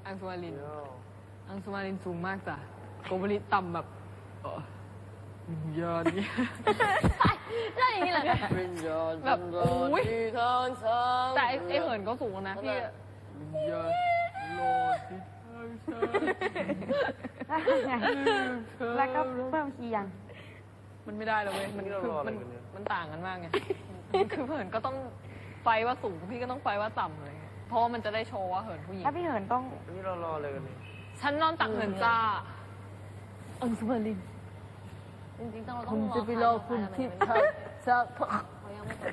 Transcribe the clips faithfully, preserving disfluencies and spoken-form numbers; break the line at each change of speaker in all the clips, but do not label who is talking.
อังสุมารินอังสุมารินสูงมากจ้ะโกโบริต่ำแบบวิญญาณเนี่ย
ใช่อย่างนี้เหรอ
วิญญาณ
แบบอุ้ย
ทางสาง
แต่ไอ้เหินก็สูงนะพี่วิญญาณโลดที่ทางสาง
แล้วก็เพิ่มคีย์ยัง
มันไม่ได้เลยเว้ยมันคือมันมันต่างกันมากไงคือเหินก็ต้องไฟว่าสูงพี่ก็ต้องไฟว่าต่ำเลยเพราะว่ามันจะได้โชว์ว่าเหินผู้หญิง
ถ้าพี่เหินต้อง
นี่เรารอเลยกันนี่
ฉันนอนตักเหินจ้าอังสุมาริน
จริงๆต้องเราต้
คุ
อง
ณจะไปรอคุณที่ทักจะพัก
เขายังไม่เปิด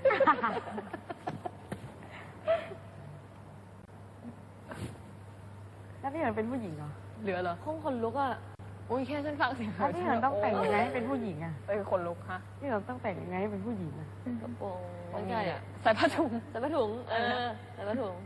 แล้วพี่เหินเป็นผู้หญิงเหรอ
เหลือเหรอ
คงคนลุกอ่ะ
อุ้ยแค่ฉันฟังเสียง
แล้วพี่เหินต้องแต่งยังไงให้เป็นผู้หญิงอ่ะ
เอ้ยคนลุกฮะ
พี่เหินต้องแต่งยังไงให้เป็นผู้หญิงอ่ะ
กระโปรง
ไม่
ไม่
ใช่
ใช่
อ่ะ
อ่ะ
ใส่ผ้าถุง
ใส่ผ้าถุง เออใส่ผ้าถุง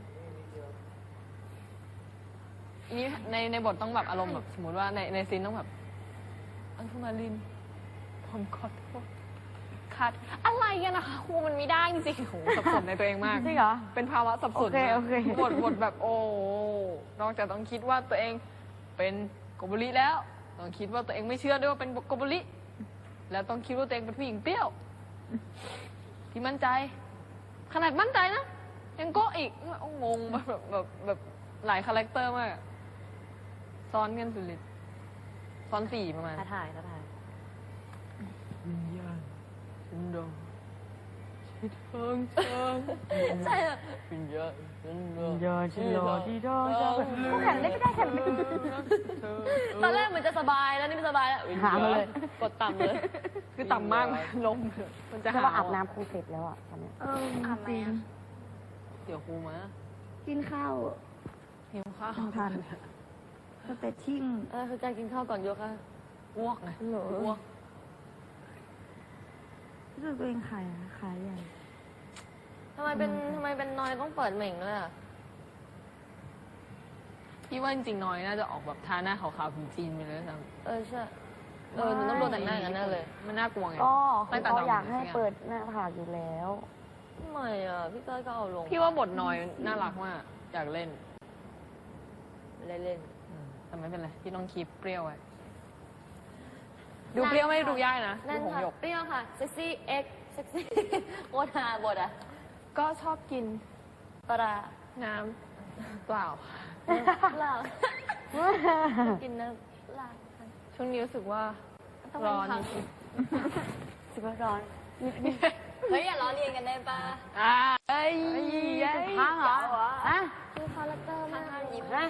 อันนี้ในในบทต้องแบบอารมณ์แบบสมมติว่าในในซีนต้องแบบอังสุมารินผมขอโทษคัดอะไรกันนะคะครูมันไม่ได้จริงๆโหสับสนในตัวเองมาก
จริงเหรอ
เป็นภาวะสับสน
โอเคโอเค
บทบทแบบโอ้นอกจากต้องคิดว่าตัวเองเป็นโกโบริแล้วต้องคิดว่าตัวเองไม่เชื่อด้วยว่าเป็นโกโบริแล้วต้องคิดว่าตัวเองเป็นผู้หญิงเปรี้ยวที่มั่นใจ ขนาดมั่นใจนะยังโก้อีกงงแบบแบบแบบแบบหลายคาแรคเตอร์มากซ้อนกันสุดฤทธิ์ซ้อนสี่ประมาณ
ท้าถ่ายท้าถ่าย
วิญญาณฉันดองที่ทางสาง
ใช่อ่ะ
วิญญาณฉันรอ
ยอชิโลดีดอจ้ากูแข่งได้ไม่ได้แข่งไม่ได้
ตอนแรกเหมือนจะสบายแล้วนี่ไม่สบายแล้ว
หามาเลย
กดต่ำเลย
คือต่ำมากลงมันจะ
จะ
หา
ว่าอาบน้ำคงเสร็จแล้วอ่ะตอนนี้
เออ
อาบไหม
จริง
อะ
เดี๋ยวครูมา
กินข้าว
หิวข้าว
ทันสเตชิ่ง
เออคือการกินข้าวก่อนยกค่ะ
อ้วกไง
เหรอ
อ้วก
รู้สึกตัวเองขายขายใหญ่
ทำไมเป็นทำไมเป็นนอยต้องเปิดเหม่งด้วยอ่ะ
พี่ว่าจริงๆน้อยน่าจะออกแบบทาหน้าขาวๆผิวจีนไปเลยซ้ำ
เออใช่ เออหนูต้องโดนแต่งหน้าอย่างนั้นแน่เลย
มันน่ากลัวไง
ก็
ไม่
คือ
ตัด
เขา
ดอก
อยากให้
ใช่ไง
เปิดหน้าผากอยู่แล้ว
ทำไมอ่ะ พี่ก้อยก็เอาลง
พี่ว่าบทน้อยน่ารักมากอยากเล่น
เล่นเล่น
อืมแต่ไม่เป็นไรพี่ต้องคีปเปรี้ยวไว้ดูเปรี้ยวไม่ได้ดูยากนะ
นั่
ดู
น
ผม
ค่ะ
หยก
เปรี้ยวค่ะเซ็กซี่เอ็กเซ็กซี่โคตรฮาบทอ่ะ
ก็ชอบกิน
ปลา
น้ำเปล่า
เหล้ากินน้ำเหล้า
ช่วงนี้รู้สึกว่า
ต้อง
ร้
ร้
อ
อน น
สิบร้อน
เฮ้ยอย่าล้อเลียนกันได้ปะ
อ่าเอ้ย
พังเหรอฮะ
คือคาแรคเตอร์มากยิ้ม
นะ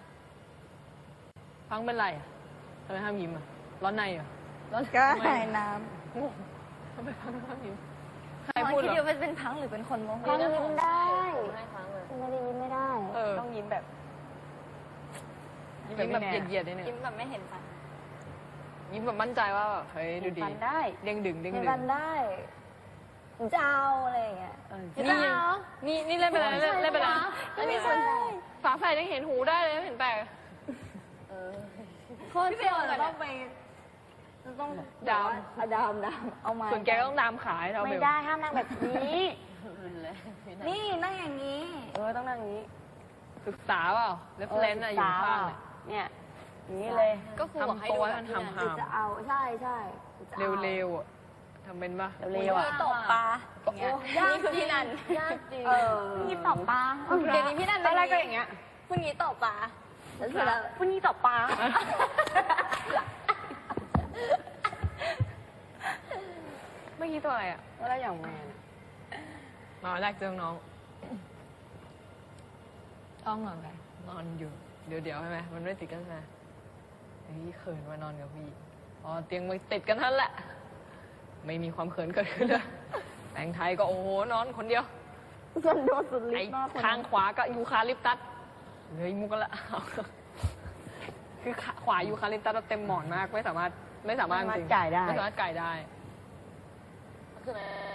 ฟังเป็นไรอ่ะทำไมห้ามยิ้มอ่ะร้อนในเหรอร้อน
ก็
ทำไม
หายน้
โอ้ทำไมฟังห้ามยิ้มใคร
ตอน
พูด
คิด
เหร
อยู่
อ
เป็นเป็นพังหรือเป็นคนโมโห
พังยิ้มได้
ให้พังเลย
ไม่ได้ยิ้มไม่ได้
เออ
ต้องยิ้มแบบ
ยิ้มแบบเหยียดๆนิดนึง
ยิ้มแบบไม่เห็นฟัน
ยิ้มแบบมั่นใจว่าแบบเฮ้ยดูดี
ฟันได้
เด้งดึงเด้ง
เห็น
ดึง
ฟันได้ผมจะเอาอะไรอย่างเงี้ย
เออนี่ยังนี่นี่เล่นไปแล้วเล่นเล่นไปแล้ว
ไม่ใช่
ฝาแฝดยังเห็นหูได้เลยไม่เห็นแปลก
โคตรเปรี้ยวเลย
ต้องไปต้อง
ดาม
เอาดามดามเอามา
ส่วนแกก็ต้องดามขายเท่าเบ
ไม่
ล
ได้ห้ามนั่งแบบนี้
นี่นั่งอย่างนี้
เออต้องนั่งอย่างนี้
ศึกษาเปล่าเรฟเลนอะอยู่ข้าง
เนี่ยอย่างนี้เลย
ก็ครูบอกให้
ทำ
ดู
ตัว
แบ
ให้
บ
มัน
นี้
หำ
หรือจะเอาใช่ใช่
ๆเร็วๆอะทำเป็นปะ
เร็วๆอ่ะ
ตกปลา
นี่คือพี่นัน
ยากจริง
เออนี่ตอบปลา
เดี๋ยวนี้พี่นัน
ตอนแรกก็อย่างเงี้ย
พรุ่งนี้ตกปลาแล้วเสร็จแล้ว
พรุ่งนี้ตอบปลา
เมื่อกี้ตัวอะไรอ่ะ
แล้วอย่างแมน
มาแรกเจอน้องต้องนอนไปนอนอยู่ เดี๋ยวเดี๋ยวใช่ไหมมันไม่ติดกันนะเฮ้ยเขินมานอนกับพี่อ๋อเตียงมันติดกันนั่นแหละ ไม่มีความเขินเกิดขึ้นเลยแต่งไทยก็โอ้โหนอนคนเดียว
ฉันโดนสุดฤ
ไอ้
ทธิ์มาก
ข้างขวาก็ยูคาลิปตัสเลยมุกกันละ คือขวายูคาลิปตัสเต็มหมอนมากไม่สามารถไม่สามารถจริง
จ่ายได้
ไม่สามารถไก่ได้
คือ